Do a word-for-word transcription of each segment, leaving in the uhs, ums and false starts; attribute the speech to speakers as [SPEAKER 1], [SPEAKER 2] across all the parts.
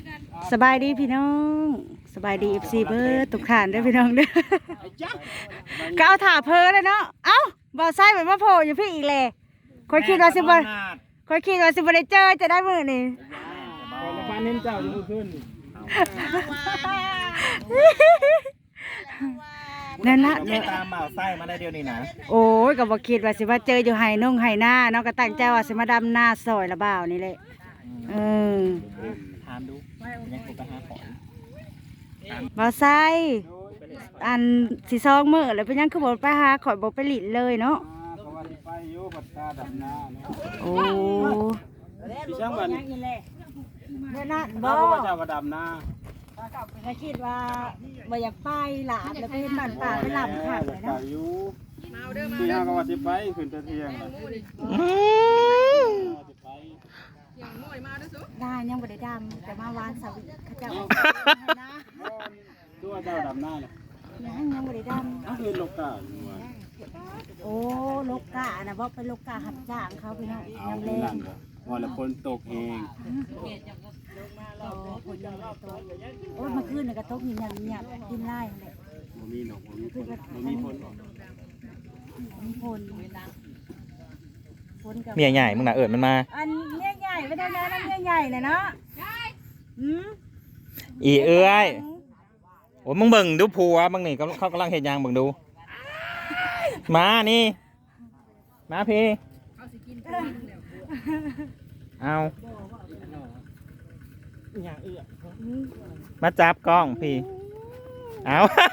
[SPEAKER 1] สบายดีพี่น้องสบายดีเอฟซีเบิร์ดตุกขานด้วยพี่น้องเด้อก็เอาถ่าเพอเลยเนาะเอ้าบ่าวไส้เหมือนว่าโผล่อยู่พี่อีกเลยคอยคิดว่าสิบ่คอยคิดว่าสิบ่ได้เจอจะได้มื้อนี้
[SPEAKER 2] แล้วพาเน้นเจ้าอยู่ขึ้น
[SPEAKER 1] นั่นนะ
[SPEAKER 2] ไม่ตามบ่าวไส้มาได้เดียวนี่นะ
[SPEAKER 1] โอ้ยก็บ่คิดว่าสิว่าเจออยู่ไห้นงไห้หน้าเนาะก็ตั้งใจว่าสิมาดำหน้าซอยละบ่าวนี่แหละเออ
[SPEAKER 2] ถามดูยังกูไปหาของ
[SPEAKER 1] บ่าวไส้อันสิซองมื้อแล้วเป็นยังคือบ่ไปหาข่อยบ่ไปหลินเลยเนาะ
[SPEAKER 2] ไปอยู่ปัตตาดำนา
[SPEAKER 1] โอ้
[SPEAKER 2] พี่ช่างบัน
[SPEAKER 1] เมื่อนั้นบ่
[SPEAKER 2] เจ้าก็ดำนา
[SPEAKER 1] ก็คิดว่าบ่อยากไปหลาบแล้วไปเห็นบ้านป่าไปลำค่ะเลยเนาะ
[SPEAKER 2] อยู่ที่ห้าก็ว่าสิไปขึ้นตะเทียง
[SPEAKER 1] ได้ยังบ่ได้ดำแต่มาวานสวิเขาเจ้านะ
[SPEAKER 2] ตัวเจ้าดำนาเนี่ย
[SPEAKER 1] ยังยังบ่ได้ดำ
[SPEAKER 2] ก็คือโลกา
[SPEAKER 1] โอ้โลกานะบ่เป็นโลกาหับจ้างเขาพี่น้องยังเล่น
[SPEAKER 2] ว่าแล้วฝนตกเอง
[SPEAKER 1] โอ้ฝนยังบ่ตกโอ้เมื่อคืนน่ะก็ตกเงียบเงียบดินไล่นั่นแหละ
[SPEAKER 2] บ่มีหนอกบ่มีฝนบ่มีฝน
[SPEAKER 1] มีฝน
[SPEAKER 3] เมียใหญ่มึงน่ะเอิดมันมา
[SPEAKER 1] อันเมียใหญ่ไม่ได้นะนั่นเมียใหญ่เลยเนาะอืม
[SPEAKER 3] อีเอ้ยโอ้มึงเบิ่งดูผัวมึงนี่เขากำลังเห็นยางเบิ่งดูมานี่มาพี่เอามาจับกล้องพี่เอา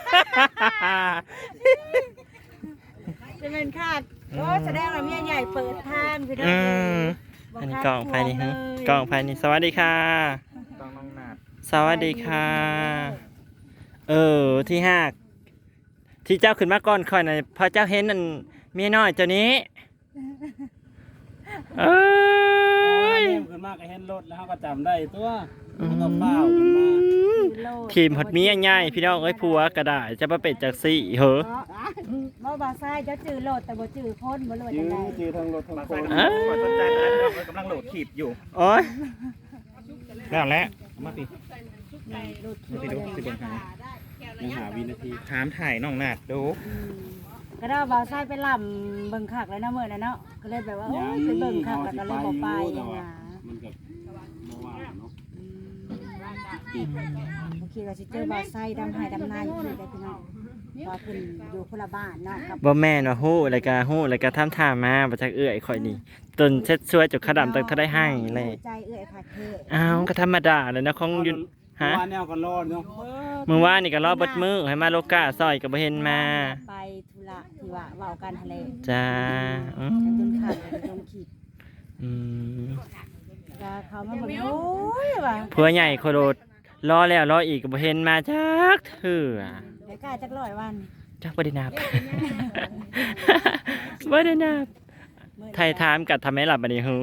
[SPEAKER 1] จะเป็นคาดโอ้แสดงว่าเมียใหญ่เปิดทางพี่น้อง
[SPEAKER 3] อันนี้กล้องภายในฮะกล้องภายในสวัสดีค่ะสวัสดีค่ะเออที่ห้าที่เจ้าขึ้นมาก่อนค่อยหน่อยพอเจ้าเห็นนั่นเมียน้อยเจ้านี้เอ้
[SPEAKER 2] ยขึ้นมาก็เห็นรถแล้วเขาก็จำได้ตัวเขาก็เฝ้าขึ้นมา
[SPEAKER 3] ทีมหดเมียง่ายพี่น้องเอ้ยผัวกระดาษจะมาเป็นจากสี่เหรอ
[SPEAKER 1] บ่บ่ซ้ายจะจื้อโหลดแต่บ่จื้อคนบ่โหลดจังได๋
[SPEAKER 2] จื้อทั้งรถทั้งคนสนใจกำลังโหลดขีบอยู่
[SPEAKER 3] โอ้ยแล้วแหละมาสิ
[SPEAKER 2] ไปดูสิเบิ่งหายังหาวินาที
[SPEAKER 3] ถามถ่ายน้องนาดดู
[SPEAKER 1] ก็ได้บ่ซ้ายไปลำเบิ่งคักเลยเนาะมื้อนั้นเนาะก็เลยแบบว่าโอ้ยไปเบิ่งคักแล้วก็เลยบ่ไปอย่างน่ะ
[SPEAKER 2] มันก็บ่ว่าเนาะ
[SPEAKER 1] บางทีเราสิเจอบ่ซ้ายดำหายดำนาอยู่นี่ได้พี่น้องว่าเพิ่นอยู่คนละบ้านเนาะครับ
[SPEAKER 3] บ่แม่นว่าฮู้แล้วก็ฮู้แล้วก็ทำท่ามาบ่จักเอื้อยข่อยนี่จนเช็ดช่วยจุกขะดำตั้งเท่าได้ให้เลย
[SPEAKER 1] ใจเอื้อยคักเท่
[SPEAKER 3] อ้าวก็ธรรมดาแหละนะของอยู่ฮะ
[SPEAKER 2] ว่าแนวก็รอดเนาะ
[SPEAKER 3] มื้อวานนี่ก็รอเบิดมื้อให้มาโลกาซอยก็บ่เห็นมา
[SPEAKER 1] ไปธุระที่ว่าเว้ากันทะเล
[SPEAKER 3] จ้า
[SPEAKER 1] อืมจนขาดลงขีด
[SPEAKER 3] อืม
[SPEAKER 1] ก็เขามาบอกโอ้ยว่า
[SPEAKER 3] ผัวใหญ่โคโรดรอแล้วรออีกก็บ่เห็นมาจักเทื่อ
[SPEAKER 1] เดี๋ยวกล้าจักร้อยวัน
[SPEAKER 3] จักบ่ได้นับบ่ได้นับไทยถามกัดทำไมหลับบัดนี้หือ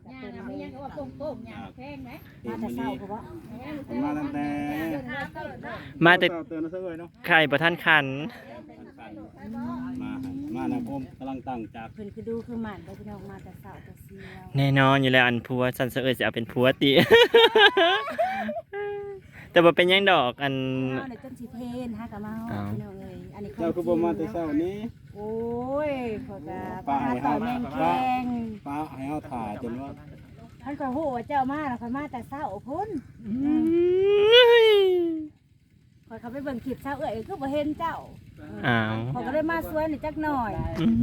[SPEAKER 1] มาแต่เช้าก็บ่
[SPEAKER 2] มาตั้งแต่
[SPEAKER 3] มาแต่
[SPEAKER 2] เตือนซะเลยเนาะ
[SPEAKER 3] ใครบ่ทันขัน
[SPEAKER 2] มามานะผมกำลังตั้งจาก
[SPEAKER 1] เพิ่นคือดูคือหมันได้พี่น้องมาแต่เช้าแต่เสียว
[SPEAKER 3] แน่นอนอยู่แล้วอันผัวสันเสเอยสิเอาเป็นผัวติแต่บ่เป็นหยังดอกอัน
[SPEAKER 1] เฮาเนี่ยจนสิเพนหากับเมาพี่น้องเอ้ยอันนี้
[SPEAKER 2] เจ้าคือบ่มาแต่เช้านี้
[SPEAKER 1] โอ้ยพอก็ป้าต่อแมงแกง
[SPEAKER 2] ป้าให้เฮาถ่าจนว่า
[SPEAKER 1] ท่านก็ฮู้ว่าเจ้ามาแล้วค่อยมาแต่เช้าพุ่นค่อยเขาไปเบิ่งคลิปเช้าเอ้ยคือบ่เห็นเจ้า
[SPEAKER 3] อ้าว
[SPEAKER 1] เขาก็เลยมาสวยนี่จักหน่อย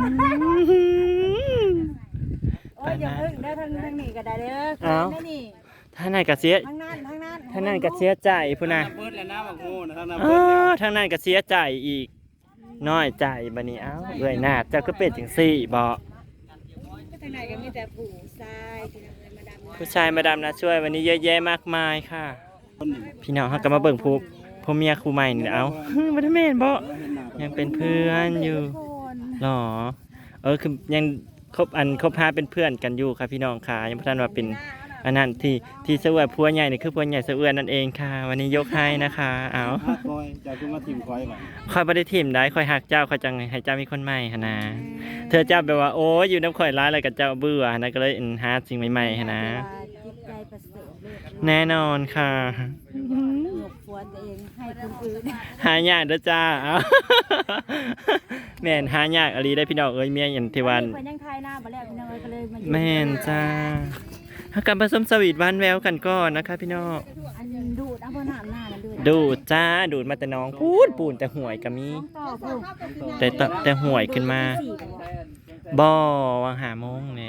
[SPEAKER 1] โอ้ยอย่าพึ่งได้ทางทางนี้ก็ได้เด้อได้นี่
[SPEAKER 3] ทางนั้นก็เสีย
[SPEAKER 1] ทางนั้นทางนั้น
[SPEAKER 3] ทางนั้นก็เสียใจพุ่นน่ะ
[SPEAKER 2] เบิดแล้วนะบักโง่นะทางนั้น
[SPEAKER 3] เออทางนั้นก็เสียใจอีกน้อยใจบัดนี้เอ้าเอ้ยนาดเจ้าก็เป็นจังซี่บ่
[SPEAKER 1] ทางไหนก็มีแต่ผู้ชาย
[SPEAKER 3] ผู้ชายมาดำนะช่วยวันนี้เยอะแยะมากมายค่ะพี่น้องเขาก็มาเบิ่งผู้พ่อเมียคู่ใหม่นี่เอาบ่ได้แม่นบ่ยังเป็นเพื่อนอยู่หรอเออคือยังคบอันคบหาเป็นเพื่อนกันอยู่ค่ะพี่น้องค่ะยังบ่ทันว่าเป็นอันนั้นที่ที่เสวยผัวใหญ่นี่คือผัวใหญ่เสวยนั่นเองค่ะวันนี้ยกให้นะคะเอา
[SPEAKER 2] คอยจะคือมาทีมคอยบัด
[SPEAKER 3] คอยบ่ได้ทีมได้คอยฮักเจ้าคอยจังให้เจ้ามีคนใหม่หั่นนะเธอเจ้าแบบว่าโอ้ยอยู่น้ำข่อยร้ายอะไรกับเจ้าเบื่อนะก็เลยหาสิ่งใหม่ๆหั่นนะ
[SPEAKER 1] จิตใจประเสริฐ
[SPEAKER 3] แน่นอนค่ะ
[SPEAKER 1] หยกฟวนตัวเองให้คนอื่น
[SPEAKER 3] หายากเด้อจ้าเอา แม่นหายากอะไรได้พี่น้องเอ้ยเมียอย่างที่วัน
[SPEAKER 1] เพิ่นยังทายหน้าบ่แล้วพี่น้องเอ้ยก็เลยมาอยู่
[SPEAKER 3] แม่นจ้าหากลับผสมสวีทหวานแววกันก่อนนะคะพี่น้อง
[SPEAKER 1] อันดูดเอาบ่น้ำหน้านั่นดูด
[SPEAKER 3] ดูดจ้าดูดมาแต่น้องพูดปูนแต่ห่วยก็มี
[SPEAKER 1] ต่อผู้
[SPEAKER 3] แต่ตแต่ห่วยขึ้นมาบ่วังหาโมงเนี่ย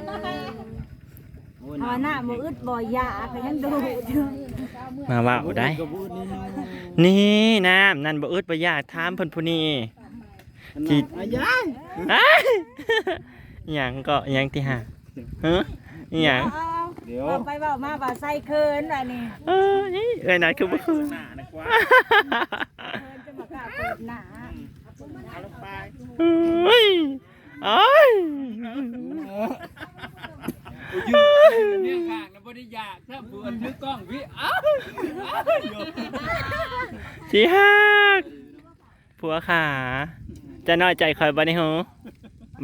[SPEAKER 1] เอาหน้าบ่อึดบ่ยาก็ยังดูดอยู่
[SPEAKER 3] มาว่าเอาได้
[SPEAKER 2] กระบูดนี่
[SPEAKER 3] นี่น้ำนั่นบ่อึดบ่อยากถามเพิ่นผู้นี้
[SPEAKER 2] ที่อายาย
[SPEAKER 3] อ้ายอิหยังก็อิหยังที่หาฮะอิหยัง
[SPEAKER 1] เอา
[SPEAKER 2] เดี๋ยว
[SPEAKER 1] เอาไปเว้ามาว่าใส่เคินว่านี่
[SPEAKER 3] เออนี่เอ้ยนั่นคือบ่คือ
[SPEAKER 2] หน้านะกว่า
[SPEAKER 1] เคินจะมากล้าเปิดหน้า
[SPEAKER 2] เอาลงไป
[SPEAKER 3] เฮ้ยอ้าย
[SPEAKER 2] ยืนเนี่ยข้างนะบ่ได้ยากถ้าเพื่อนถือกล้องพี่อ้าว
[SPEAKER 3] สิฮักผัวขาจะน้อยใจคอยบ่นี่หูบ่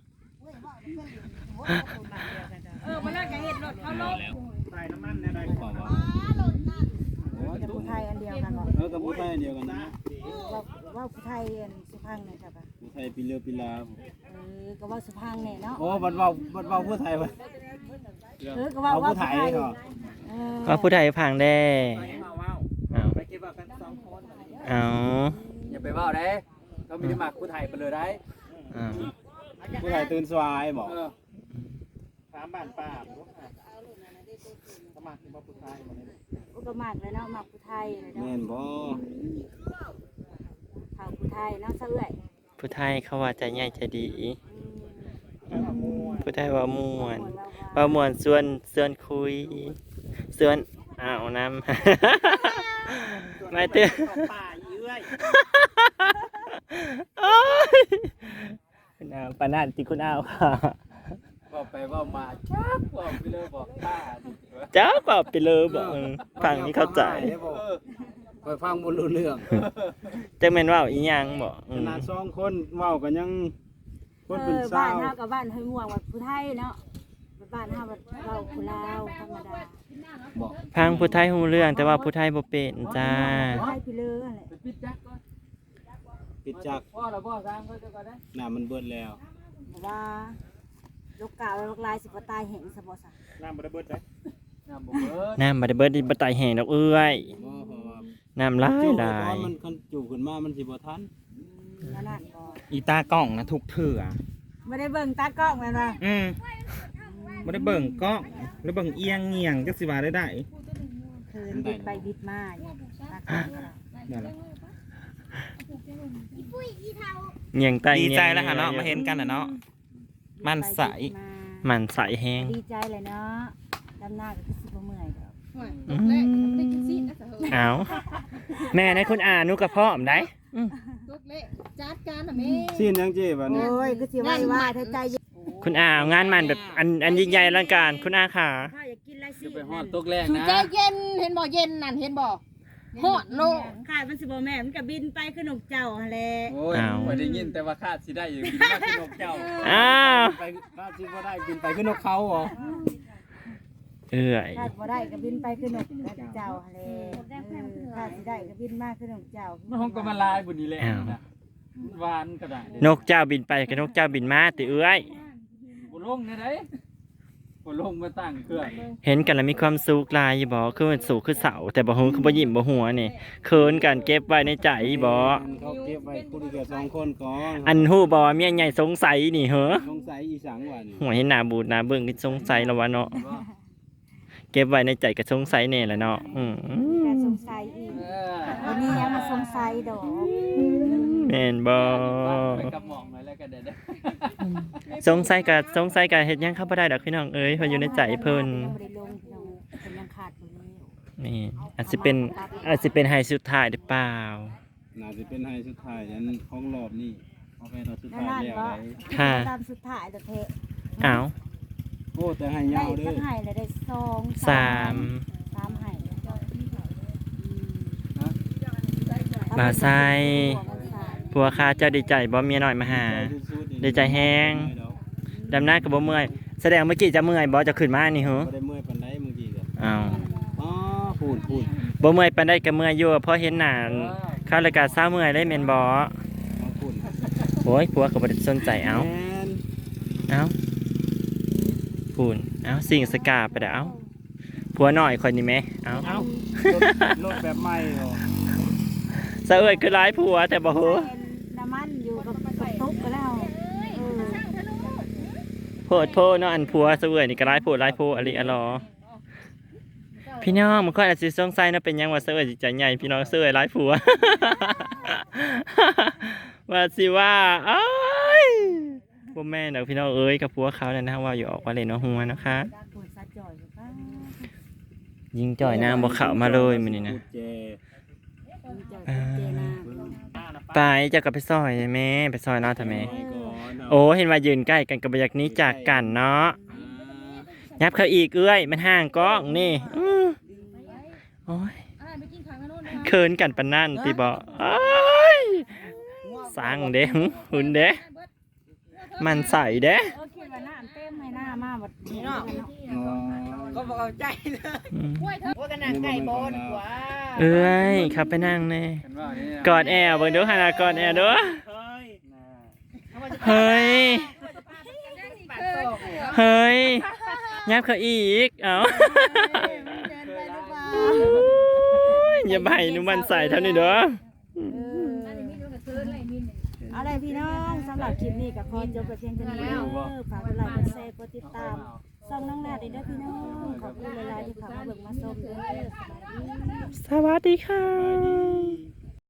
[SPEAKER 1] เออมาแล้วก็เฮ็ดรถเอาลง
[SPEAKER 2] ใส่น้ำมันเนี่ยได้กว่าบ่
[SPEAKER 1] จะผู้ไทยอันเดียวกันบ่
[SPEAKER 2] เออกับผู้ไทยเดียวกันนะ
[SPEAKER 1] ว่าว่าผู้ไทยอันสุพรรณนี่จ้ะป่ะ
[SPEAKER 2] ผู้ไทยปีเรือปีลา
[SPEAKER 1] เออก็ว่าสุพรรณนี่เนาะ
[SPEAKER 2] โอ้บัดเว้าบัดเว้าผู้ไทยเว้ย
[SPEAKER 1] เออก็ว่า
[SPEAKER 2] เอา
[SPEAKER 1] ว่า
[SPEAKER 2] ผู้ไทยเหรอ
[SPEAKER 1] เออ
[SPEAKER 3] ว่าผู้ใดพังแด้เอา
[SPEAKER 2] ไปคิดว่ากันสองคน
[SPEAKER 3] เอา
[SPEAKER 4] อย่าไปว่าได้เรามีหมักผู้ไทยไปเลยได้
[SPEAKER 3] เอา
[SPEAKER 2] ผู้ไทยตื่นสวายบอก
[SPEAKER 4] เออ
[SPEAKER 2] ถามบ้านป้าสมัครเป็นผู้ไทยบ่ได้
[SPEAKER 1] อุปมากเลยเนาะมักผู้ไทยเลย
[SPEAKER 2] แม่
[SPEAKER 1] เนาะ
[SPEAKER 2] นบ่
[SPEAKER 1] ข่าวผู้ไทยเนาะเสื่อย
[SPEAKER 3] ผู้ไทยเขาว่าใจใหญ่ใจดี ผู้ไทยว่าม่วนว่าม่วนส่วนส่วนคุยส่วนอ้าวน้ำ ไม่เตือน
[SPEAKER 2] ป้าเยื่อย
[SPEAKER 3] โอ้ยคุณอาวปานาติคุณอาวค่ะ
[SPEAKER 4] บอกไปว่ามาจับบอกไปเลยบอกป้าดิ
[SPEAKER 3] เจ้าก็ไปเลยบอกเออฟังนี่เข้าใจ
[SPEAKER 2] ไปฟังบ่รู้เรื่อง
[SPEAKER 3] จังแม่นว่าอีหยังบอก
[SPEAKER 2] ขนาดสองคนเว้ากันยังคนเป็น
[SPEAKER 1] เออ
[SPEAKER 2] สา
[SPEAKER 1] บ้าน
[SPEAKER 2] ว
[SPEAKER 1] เฮากับบ้านเฮยม่วงว่าผู้ไทยเนาะบ้านเฮาว่าเราผู้ลาวธรรมดา
[SPEAKER 2] บอก
[SPEAKER 3] พังผู้ไทยฮู้เรื่องแต่ว่าผู้ไทยบ่เป็นจ้า
[SPEAKER 1] ผู้ไทยพี่เลืออะไร
[SPEAKER 4] ไปปิดจักก่อน
[SPEAKER 2] ปิดจัก
[SPEAKER 4] พ่อเราพ่อสร้างก็จะก่อนได้
[SPEAKER 2] น้ำมันเบิดแล้ว
[SPEAKER 1] บอกว่าลูกกาวลูกลายสิบ่ตายแห้งซะบ่ซะ
[SPEAKER 2] น้ำบ่ได้เบิดได้
[SPEAKER 4] น้ำบ่เบิด
[SPEAKER 3] น้ำบ่ได้เบิดดิบ่ตายแห้งดอกเอ้ย
[SPEAKER 2] บ่เพราะว่า
[SPEAKER 3] น้ำหลาย
[SPEAKER 2] จู่
[SPEAKER 3] หลา
[SPEAKER 2] ก่อย นมันคันจู่ขึ้นมามันสิบ่ทัน
[SPEAKER 1] นั่นน่ะก็
[SPEAKER 5] อีตากล้องนะทุกเถื่อ
[SPEAKER 1] บ่ได้เบิ่งตากล้องแม่นว่า
[SPEAKER 5] อืมไม่ได้เบิ่งกล้องแล้วเบิ่งเอียงเงียงจักสิว่าได้ได้
[SPEAKER 1] คืนบิดไปบิดมาอยู่ตากล้องก็ได้
[SPEAKER 5] นั่นแหละ
[SPEAKER 3] เงียงใต้
[SPEAKER 5] ดีใจ
[SPEAKER 3] งียง
[SPEAKER 5] แล้วค่ะเนาะมาเห็นกันนะเนาะมันใส
[SPEAKER 1] ไปบิดมา
[SPEAKER 3] มันใสแห้ง
[SPEAKER 1] ดีใจเลยเนาะดำหน้าก็คือสิบ่เมื่อยดอก
[SPEAKER 3] อืมเอาแม่ในคุณอานุกับพ่อมได้อืม
[SPEAKER 6] จัดการน่ะแม่
[SPEAKER 2] สิ้นยังเจ้บัดนี้
[SPEAKER 1] โอ้ยคือสิว่าว่าเธอใจเย็น
[SPEAKER 3] คุณอางานมันแบบอันอันยิ่งใหญ่อลังการคุณอาค่ะ
[SPEAKER 1] ข้าวอยากกินอะไรสิ
[SPEAKER 4] จะไปฮอดตกแรง
[SPEAKER 6] สุ
[SPEAKER 4] นะ
[SPEAKER 6] ใจเย็นเห็นบ่เย็นนั่นเห็นบ่ฮอดโลก
[SPEAKER 1] ขาดมันสิบ่แม่มันก็บินไปคือหนกเจ้าหั่นแหละ
[SPEAKER 4] โอ้ย
[SPEAKER 3] อ้าว
[SPEAKER 4] ไม่ได้ยินแต่ว่าคาดสิได้อยู่กินมาขนมเจ้า
[SPEAKER 3] อ้าว
[SPEAKER 2] ไปบ้านสิบ่ได้บินไปขึ้นนกเขาเหรอ
[SPEAKER 3] เอื่อย
[SPEAKER 1] ขาดบ่ได้ก็บินไปคือหนกเจ้าหั่นแหละเออขาดสิได้ก็บินมาคือหนกเจ้า
[SPEAKER 4] มันคงก็มาลายบุญนี้แหละนะหวานก็ได้
[SPEAKER 3] นกเจ้าบินไปกับนกเจ้าบินมาติเอื้อย
[SPEAKER 4] บุลงเนี่ยได้บุลงมาตั้งเครื่อง
[SPEAKER 3] เห็นกันแล้วมีความสุขหลายอยู่บ่คือมันสูงคือเสาแต่บ่ฮู้คือบ่ยิ้มบ่หัวนี่เขินกันเก็บไว้ในใจบ่
[SPEAKER 2] เขาเก็บไว้คู่เดียวสองคนก่อน
[SPEAKER 3] อันฮู้บ่ว่าเมียใหญ่สงสัยนี่เหรอ
[SPEAKER 2] สงสัยอีสังวัน
[SPEAKER 3] หัวเห็นหน้าบูดหน้าเบิ่งนี่สงสัยแล้ววะเนาะเก็บไว้ในใจก็สงสัยแน่แหละเนาะอืม
[SPEAKER 1] แต่สงสัยอีก
[SPEAKER 4] เออ
[SPEAKER 1] วันนี้ยังมาสงสัยดอก
[SPEAKER 3] แม่นบ่
[SPEAKER 4] ไปกับหมองหน่อยแล้วกันเด้อ
[SPEAKER 3] สงสัยก็สงสัยก็เฮ็ดหยังเข้าบ่ได้ดอกพี่น้องเอ้ยเพราะอยู่ในใจเพิ่น
[SPEAKER 1] ยังบ่ได้ลงพี่น้องเพิ่นยังขาดอยู่นี่
[SPEAKER 3] นี่อาจสิเป็นอาจสิเป็นไฮสุดท้ายหรือเปล่า
[SPEAKER 2] น่าจะเป็นไฮสุดท้ายยันของรอบนี้เอาไปเราสุด
[SPEAKER 1] นั่น
[SPEAKER 2] ท้าย
[SPEAKER 1] นั่น
[SPEAKER 2] แล้ว
[SPEAKER 1] ก็
[SPEAKER 2] ได้
[SPEAKER 3] ค่ะ
[SPEAKER 1] ตามสุดท้ายแต่เทะ
[SPEAKER 3] อ้าว
[SPEAKER 2] โอ้แต่ให้
[SPEAKER 1] ได้
[SPEAKER 2] ยาวเด้
[SPEAKER 1] สั
[SPEAKER 2] อก
[SPEAKER 1] ไห้เลยได้สอง
[SPEAKER 3] สาม
[SPEAKER 1] สามไห้
[SPEAKER 3] บ่าวไซผัวข้าเจ้าดีใจบ่เมียน้อยมาหา ดีใจแฮง ดำหน้าก็บ่เมื่อยแสดงเมื่อกี้จะเมื่อยบ่จะขึ้นมานี่เหรอ
[SPEAKER 2] บ่ได้เมื่อยปานใดเมื่อกี้ก็
[SPEAKER 3] อ้าว
[SPEAKER 1] เ
[SPEAKER 2] พูดพูด
[SPEAKER 3] บ่เมื่อยปานใดก็เมื่อยอยู่เพราะเห็นหน้าเข้ารายการเช้าเมื่อยเลยแม่นบ่
[SPEAKER 2] มาพูด
[SPEAKER 3] โอ้ยผัวก็บ่ได้สนใจเอ้า
[SPEAKER 2] แม่น
[SPEAKER 3] เอ้าพูนเอ้าสิ่งสกาไปเด้อเอ้าผัวน้อยคนนี้แหมเอ้า
[SPEAKER 2] เอ้ารถรถแบบใหม่เหรอ
[SPEAKER 3] ซะเอ้ยคือหลายผัวแต่บ่ฮู้
[SPEAKER 1] น้ำมันอยู่กับกับตุ๊กก็แล้วเออ
[SPEAKER 3] โพดโพเนาะอันผัวซะเอ้ยนี่ก็หลายผัวหลายผัวอะลิอะลอพี่น้องมันก็อาจสิสงสัยเนาะเป็นหยังว่าซะเอ้ยสิใจใหญ่พี่น้องซะเอ้ยหลายผัว ว่าสิว่าเอ้ยบ่แม่นดอกพี่น้องเอ้ยกับผัวเขานั่นนะว่าอยู่ออกว่าเล่นว่าหัวนะคะ
[SPEAKER 1] ปวดซัดจ่อยกับป้า
[SPEAKER 3] ยิงจ่อยน้ำบ่เข้ามาเลยมื้อนี้นะ
[SPEAKER 2] พูดเจ
[SPEAKER 1] มีจ่อยกับเจนา
[SPEAKER 3] ไปเจะกลับไปซอยแม่ไปซอยเนาะทำไม
[SPEAKER 2] ไปก่อนเนาะ
[SPEAKER 3] โอ้เห็นว่ายืนใกล้กันกับอยากหนี้จากกันเนาะยับเขาอีกเอ้ยมันห่างกล้องนี่อื้อโอ้ยเคินกันปานนั่นติบ่เอ้ยสร้างเด้หึหุ่นเด้มันใส่เด้
[SPEAKER 1] เออคิดว่าน้ำเต็มให้หน้ามาบัดนี้เนาะ
[SPEAKER 2] อ๋อ
[SPEAKER 6] ก็บอกเอาใจเลย
[SPEAKER 3] อืม
[SPEAKER 6] ว่ากันนางไก่บอลกว่า
[SPEAKER 3] เอ้ยขับไปนั่งแน่
[SPEAKER 4] กันว่านี่
[SPEAKER 3] กอดแอวเบิ่งดูขนาดกอดแอวเด้อ
[SPEAKER 2] เฮ้ย
[SPEAKER 3] เฮ้ยเฮ้ยยับเขาอีกเอ้า อย่าไปหนูมันใส่เท่านี้เด้อ
[SPEAKER 1] เอาเลยพี่น้องสำหรับคลิปนี้ก็ขอจบไปเพียงเท่านี้แล้วฝากกดไลค์กดแชร์กดติดตามช่องน้องนาได้เด้อพี่น้องขอบคุณหลายๆที่เข้ามาเบิ่งมาชมเด้อสวัสดี
[SPEAKER 3] สวัสดีค่ะ